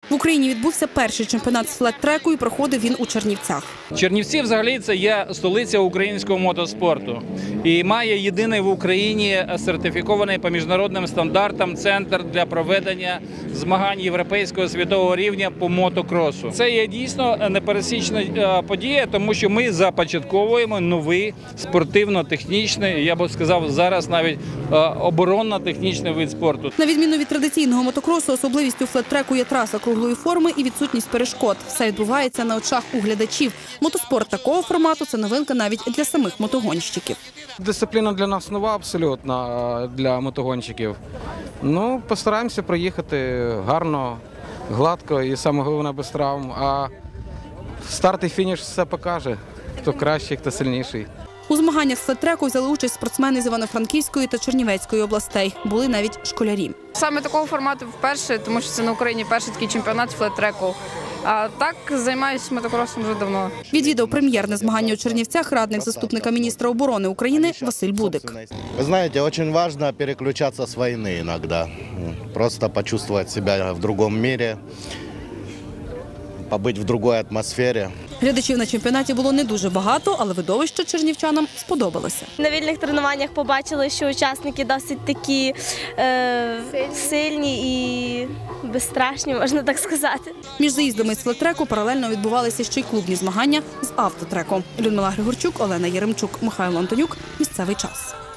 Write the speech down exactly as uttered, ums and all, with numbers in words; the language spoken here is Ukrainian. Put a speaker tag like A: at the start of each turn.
A: В Україні відбувся перший чемпіонат з флет-треку і проходив він у Чернівцях.
B: Чернівці взагалі це є столиця українського мотоспорту і має єдиний в Україні сертифікований по міжнародним стандартам центр для проведення змагань європейського світового рівня по мотокросу. Це є дійсно непересічна подія, тому що ми започатковуємо новий спортивно-технічний, я б сказав, зараз навіть оборонно-технічний вид спорту.
A: На відміну від традиційного мотокросу, особливістю флет-треку є траса круглої форми і відсутність перешкод. Все відбувається на очах у глядачів. Мотоспорт такого формату – це новинка навіть для самих мотогонщиків.
C: Дисципліна для нас нова абсолютно, для мотогонщиків. Ну, постараємося проїхати гарно, гладко і, саме головне, без травм. А старт і фініш все покаже, хто кращий, хто сильніший.
A: У змаганнях з флет-треку взяли участь спортсмени з Івано-Франківської та Чернівецької областей. Були навіть школярі.
D: Саме такого формату вперше, тому що це на Україні перший такий чемпіонат з флет-треку. А так займаюся мотокросом вже давно.
A: Відвідав прем'єрне змагання у Чернівцях радник заступника міністра оборони України Василь Будик.
E: Ви знаєте, дуже важливо переключатися з війни іноді. Просто почувствовать себе в іншому світі, побути в іншій атмосфері.
A: Глядачів на чемпіонаті було не дуже багато, але видовище чернівчанам сподобалося.
F: На вільних тренуваннях побачили, що учасники досить такі е, сильні і безстрашні, можна так сказати.
A: Між заїздами з флет-треку паралельно відбувалися ще й клубні змагання з автотреку. Людмила Григорчук, Олена Єремчук, Михайло Антонюк. Місцевий час.